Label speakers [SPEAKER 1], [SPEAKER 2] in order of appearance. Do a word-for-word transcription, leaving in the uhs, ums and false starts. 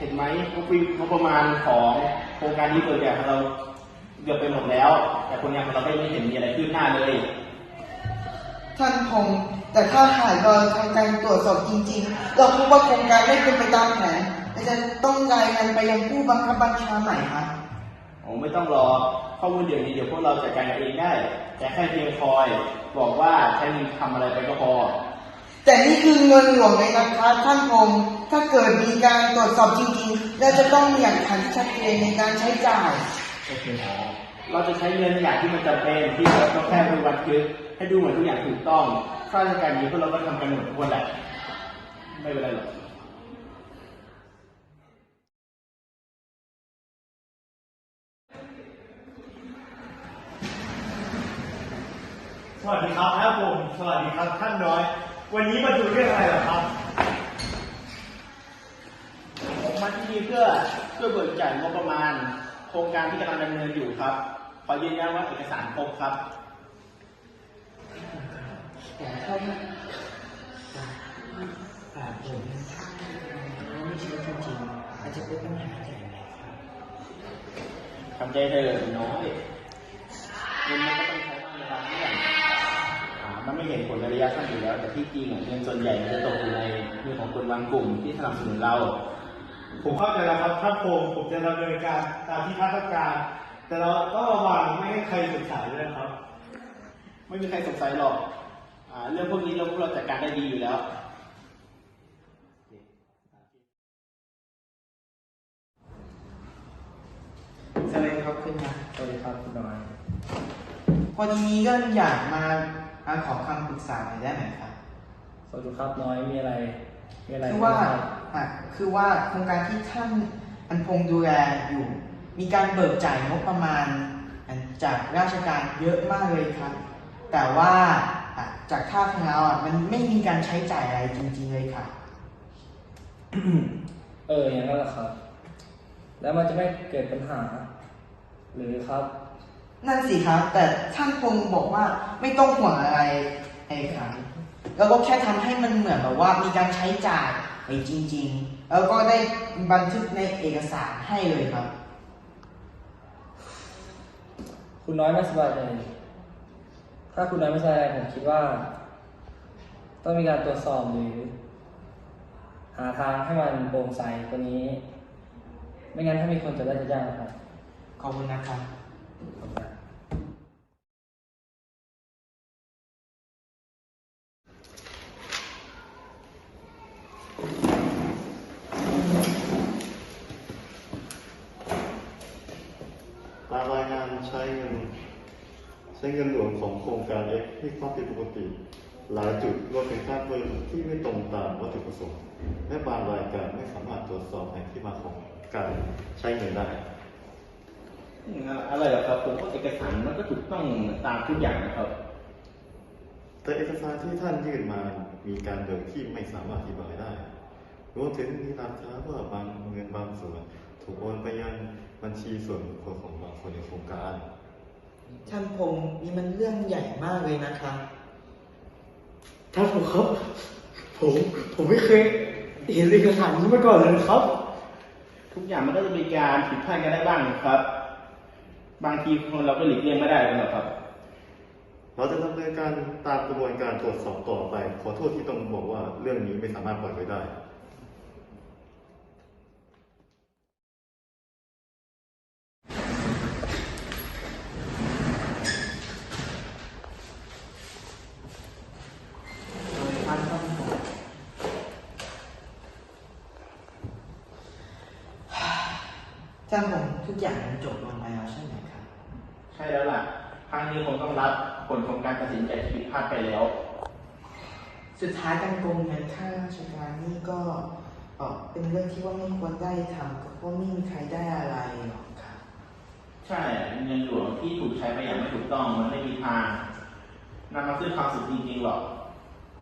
[SPEAKER 1] นไหมงบประมาณของโครงการนี้เปิดแบบของเราเกือบไปหมดแล้ว แต่คนงานของเราไม่เห็นมีอะไรขึ้นหน้าเลย
[SPEAKER 2] ท่านพงศ์แต่ถ้าหากเราทำการตรวจสอบจริงๆเราพบว่าโครงการไม่เป็นไปตามแผนจะต้องรายงานไปยังผู้บังคับบัญชาใหม่ครับ
[SPEAKER 1] โอ้ไม่ต้องรอข้อมูลเดี๋ยวนี้เดี๋ยวพวกเราจัดการเองได้แต่แค่เพียงคอยบอกว่าใช้เงินทำอะไรไปก็พอ
[SPEAKER 2] แต่นี่คือเงินหลวงเลยนะครับท่านพงศ์ถ้าเกิดมีการตรวจสอบจริงๆเราจะต้องมีหลักฐานที่ชัดเจนในการใช้จ่าย
[SPEAKER 1] โอเคเราจะใช้เงินอย่างที่มันจำเป็นที่เราต้องแค่ไปบันทึกให้ดูเหมือนทุกอย่างถูกต้องข้าราชการนี้พวกเราก็ทำกันหมดทุกคนแหละไม่เป็นไรหรอก
[SPEAKER 3] สวัสดีครับท่านผมสวัสดีครับท่านน้อยวันนี้มาดูเรื่องอะไรเหรอครับ
[SPEAKER 1] ผมมาที่นี่เพื่อเพื่อเบิกจ่ายงบประมาณโครงการที่กำลังดำเนินอยู่ครับขอยืนยันว่าเอกสารครบครับ
[SPEAKER 2] แต่เขาไม่แต่ผมไม่ใช่จริงๆอาจจะเป็นปัญหาใหญ่เลยครับ
[SPEAKER 1] ทำใจเถอะน้อยเงินมันก็ต้องใช้บ้างในบางเรื่องมันไม่เห็นผลในระยะสั้นอยู่แล้วแต่ที่จริงเงินส่วนใหญ่มันจะตกอยู่ในมือของคนบางกลุ่มที่สนับสนุนเรา
[SPEAKER 3] ผมเข้าใจแล้วครับท่านพงศ์ผมจะดำเนินการตามที่ท่านต้องการแต่เราต้องระวังไม่ให้ใครสงสัยด้วยครับ
[SPEAKER 1] ไม่มีใครสงสัยหรอกเรื่องพวกนี้เราพวกเราจัดการได้ดีอยู่แล้ว
[SPEAKER 2] สวัสดีครับคุณนะ
[SPEAKER 1] สวัสดีครับคุณน้อย
[SPEAKER 2] พอดีก็อยากมาขอคำปรึกษาหน่อยได้ไหมครับ
[SPEAKER 1] สวัสดีครับน้อยมีอะไรมีอะไร
[SPEAKER 2] คือว่าคือว่าโครงการที่ท่านอันพงษ์ดูแลอยู่มีการเบิกจ่ายงบประมาณจากราชการเยอะมากเลยครับแต่ว่าจากค่าของเราอ่ะมันไม่มีการใช้จ่ายอะไรจริงๆเลยค่ะ
[SPEAKER 4] เอออย่างนั้นแหละครับแล้วมันจะไม่เกิดปัญหาหรือครับ
[SPEAKER 2] นั่นสิครับแต่ท่านพงษ์บอกว่าไม่ต้องห่วงอะไรไอ้ครับแล้วก็แค่ทำให้มันเหมือนแบบว่ามีการใช้จ่ายไปจริงๆแล้วก็ได้บันทึกในเอกสารให้เลยครับ
[SPEAKER 4] คุณน้อยไม่สบายใจถ้าคุณน้อยไม่สบายใจผมคิดว่าต้องมีการตรวจสอบหรือหาทางให้มันโปร่งใสกว่านี้ไม่งั้นถ้ามีคนจะได้จะยากนะครับ
[SPEAKER 2] ขอบคุณนะครับ
[SPEAKER 5] ตามรายงานใช้เงินใช้เงินหลวงของโครงการ X ที่ความผิดปกติหลายจุดรวมถึงค่าเพิ่มที่ไม่ตรงตามวัตถุประสงค์และบางรายการไม่สามารถตรวจสอบแหล่งที่มาของการใช้เงินได้
[SPEAKER 1] อะไรหรอครับผมว่าเอกสารมันก็ถูกต้องตามทุกอย่างนะครับ
[SPEAKER 5] แต่เอกสารที่ท่านยื่นมามีการเบิกที่ไม่สามารถอธิบายได้รวมถึงมีหลักฐานว่าบางเงินบางส่วนถูกโอนไปยังบัญชีส่วนบุคคลของบางคนในโครงการ
[SPEAKER 2] ท่านพงษ์นี่มันเรื่องใหญ่มากเลยนะครับ
[SPEAKER 3] ท่านผมครับผมผมไม่เคยเห็นเอกสารนี้มาก่อนเลยครับ
[SPEAKER 1] ทุกอย่างมันก็จะมีการผิดพลาดกันได้บ้างนะครับบางทีคนเราก็หลีกเลี่ยงไม่ได้หรอกครับ
[SPEAKER 5] เราจะดำเนินการตามกระบวนการตรวจสอบต่อไปขอโทษที่ต้องบอกว่าเรื่องนี้ไม่สามารถปล่อยไว้ได้
[SPEAKER 2] ท่านผมทุกอย่างมันจบลงไปแล้วใช่ไหมครับ
[SPEAKER 1] ใช่แล้วล่ะครั้งนี้คงต้องรับผลของการตัดสินใจที่ผิดพลาดไปแล้ว
[SPEAKER 2] สุดท้ายการโกงเงินค่าราชการนี่ก็เป็นเรื่องที่ว่าไม่ควรได้ทำเพราะไม่มีใครได้อะไรหรอกครับ
[SPEAKER 1] ใช่เงินหลวงที่ถูกใช้ไปอย่างไม่ถูกต้องมันไม่มีทางนำมาซึ่งความสุขจริงๆหรอก